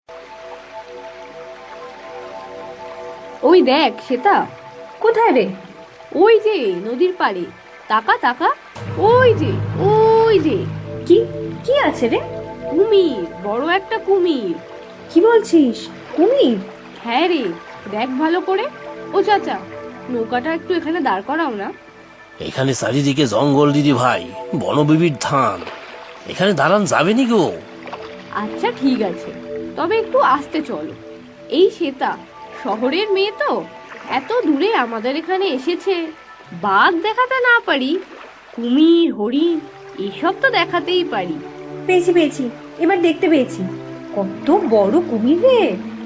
ওই দেখ শ্বেতা, কোথায় রে? ওই যে নদীর পাড়ে, তাকা তাকা, ওই যে ওই যে কি কি আছে রে? কুমির, বড় একটা কুমির। কি বলছিস? কুমির? হ্যাঁ রে, দেখ ভালো করে। ও চাচা, নৌকাটা একটু এখানে দাঁড় করাও না। এখানে চারিদিকে জঙ্গল দিদি ভাই, বনবিবির ধান, এখানে দাঁড়ান যাবে নি গো? আচ্ছা ঠিক আছে, তবে একটু আস্তে চলো। এই শ্বেতা, শহরের মেয়ে তো, এত দূরে আমাদের এখানে এসেছে, বাঘ দেখাতে না পারি, কুমির হরিণ এসব তো দেখাতেই পারি। পেয়েছি পেয়েছি, এবার দেখতে পেয়েছি। কত বড় কুমির রে!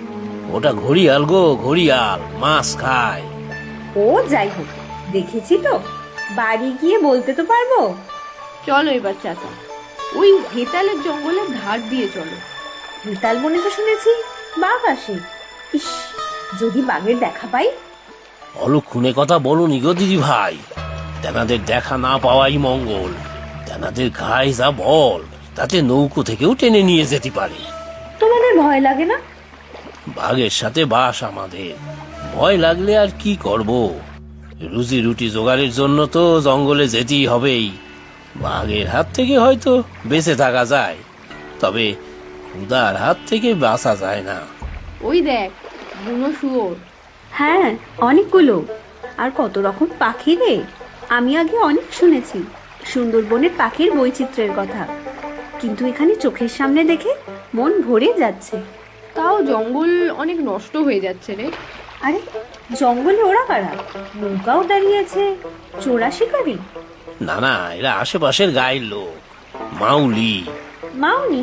ওটা ঘড়িয়াল গো, ঘড়িয়াল, মাছ খায়। ও যাই হোক, দেখেছি তো, বাড়ি গিয়ে বলতে তো পারবো। চলো এবার চাচা, ওই হেতালের জঙ্গলের ধার দিয়ে চলো। হেতাল বনে তো শুনেছি বাঘ আসে। ইস, যদি বাঘের দেখা পাই। অলক্ষণে কথা বলনি গো দিদি ভাই, তেনাদের দেখা না পাওয়াই মঙ্গল। তেনাদের গায়ে যা বল, তাতে নৌকো থেকেও টেনে নিয়ে যেতে পারে। তোমাদের ভয় লাগে না? বাঘের সাথে বাস আমাদের, ভয় লাগলে আর কি করব? রুজি রুটি জোগাড়ের জন্য তো জঙ্গলে যেতেই হবেই। বাঘের হাত থেকে হয়তো বেঁচে থাকা যায়, তবে ক্ষুধার হাত থেকে বাঁচা যায় না। ওই দেখ, বুনো শুয়োর। হ্যাঁ, অনেকগুলো। আর কত রকম পাখি রে! আমি আগে অনেক শুনেছি সুন্দরবনের পাখির বৈচিত্র্যের কথা, কিন্তু এখানে চোখের সামনে দেখে মন ভরে যাচ্ছে। তাও জঙ্গল অনেক নষ্ট হয়ে যাচ্ছে রে। আরে, জঙ্গলে ওরা কারা? নৌকাও দাঁড়িয়েছে, চোরা শিকারি? না না, এরা আশেপাশের গায়ের লোক, মাউলি। মাউনি?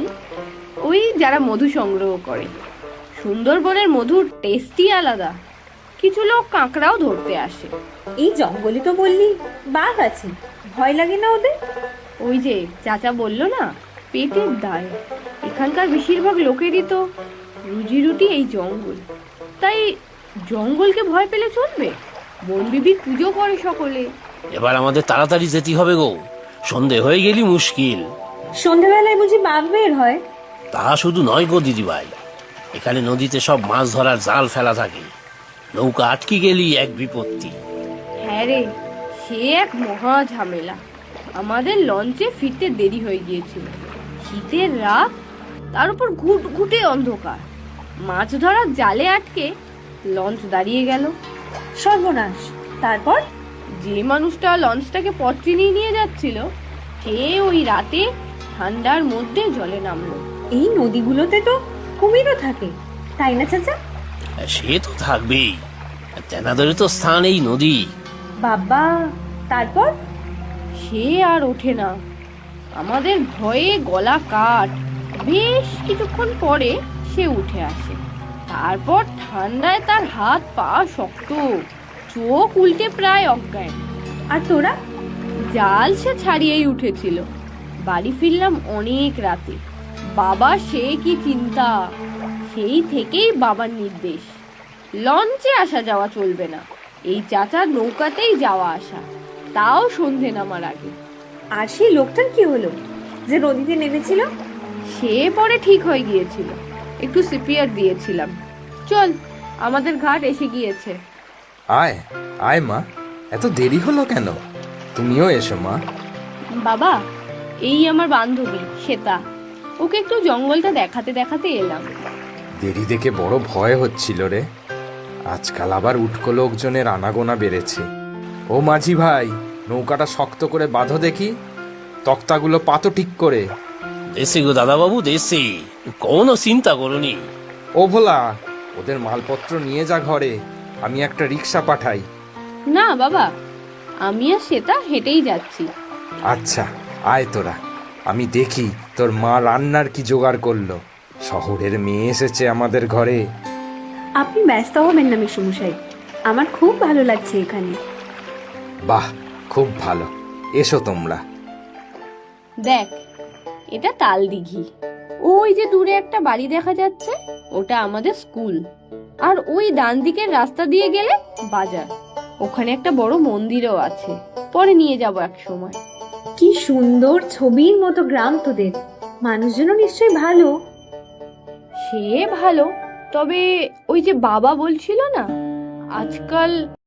ওই যারা মধু সংগ্রহ করে। সুন্দরবনের মধুর টেস্টই আলাদা। কিছু লোক কাঁকড়াও ধরতে আসে। এই জঙ্গলে তো বললি বাঘ আছে, ভয় লাগে না ওদের? ওই যে চাচা বললো না, পেটের দায়। এখানকার বেশিরভাগ লোকেরই তো রুজি রুটি এই জঙ্গল, তাই জঙ্গলকে ভয় পেলে চলবে? বনবিবির পুজো করে সকলে। এবার আমাদের তাড়াতাড়ি যেতে হবে গো, সন্ধে হয়ে গেলি মুশকিল। সন্ধ্যাবেলায় বুঝি বাঘ বের হয়? তা শুধু নয় গো দিদিভাই, এখানে নদীতে সব মাছ ধরার জাল ফেলা থাকে, নৌকা আটকে গেলি এক বিপত্তি। হ্যাঁ রে, সে এক মহা ঝামেলা। আমাদের লঞ্চে ফিরতে দেরি হয়ে গিয়েছিল। শীতের রাত, তার উপর ঘুটঘুটে অন্ধকার, মাছ ধরার জালে আটকে লঞ্চ দাঁড়িয়ে গেল। সর্বনাশ! তারপর? যে মানুষটা লঞ্চটাকে পথ চিনিয়ে নিয়ে যাচ্ছিল, সে ওই রাতে ঠান্ডার মধ্যে জলে নামলো। এই নদীগুলোতে তো কুমিরও থাকে, তাই না চাচা? সে তো থাকবেই, তেনাদের তো স্থান এই নদী। বাবা, তারপর? সে আর ওঠে না। আমাদের ভয়ে গলা কাট। বেশ কিছুক্ষণ পরে সে উঠে আসে। তারপর ঠান্ডায় তার হাত পা শক্ত, চোখ উল্টে প্রায় অজ্ঞান। আর তোরা? জাল সে ছাড়িয়েই উঠেছিল। বাড়ি ফিরলাম অনেক রাতে। বাবা সে কি চিন্তা! সেই থেকেই বাবার নির্দেশ, লঞ্চে আসা যাওয়া চলবে না, এই চাচার নৌকাতেই যাওয়া আসা, তাও সন্ধে নামার আগে। আর সেই লোকটার কি হলো যে নদীতে নেমেছিল? সে পরে ঠিক হয়ে গিয়েছিল, একটু সিপিআর দিয়েছিলাম। চল, আমাদের ঘাট এসে গিয়েছে। আয় আয় মা, এত দেরি হলো কেন? তুমিও এসো মা। বাবা, এই আমার বান্ধবী শ্বেতা, ওকে একটু জঙ্গলটা দেখাতে দেখাতে এলাম। দেরি দেখে বড় ভয় হচ্ছিল রে। আজকাল আবার উটকো লোকজনের আনাগোনা বেড়েছে। ও মাঝি ভাই, নৌকাটা শক্ত করে বাঁধো দেখি, তক্তাগুলো পাতো ঠিক করে। দেশে গো দাদাবাবু, দেশে, কোনো চিন্তা করনি। ও ভোলা, ওদের মালপত্র নিয়ে যা ঘরে, আমি একটা রিক্সা পাঠাই। না বাবা, আমি আর শ্বেতা হেঁটেই যাচ্ছি। আচ্ছা, আয় তোরা, আমি দেখি তোর মা রান্নার কি জোগাড় করলো। শহরের মেয়ে এসেছে আমাদের ঘরে। আপনি ব্যস্ত হবেন না মেসোমশাই, আমার খুব ভালো লাগছে এখানে। বাহ, খুব ভালো, এসো তোমরা। দেখ, এটা তাল দিঘি। ওই যে দূরে একটা বাড়ি দেখা যাচ্ছে, ওটা আমাদের স্কুল। আর ওই ডান দিকের রাস্তা দিয়ে গেলে বাজার। ওখানে একটা বড় মন্দিরও আছে, পরে নিয়ে যাব এক সময়। কি সুন্দর ছবির মতো গ্রাম তোদের, মানুষজনও নিশ্চয়ই ভালো। সে ভালো, তবে ওই যে বাবা বলছিল না, আজকাল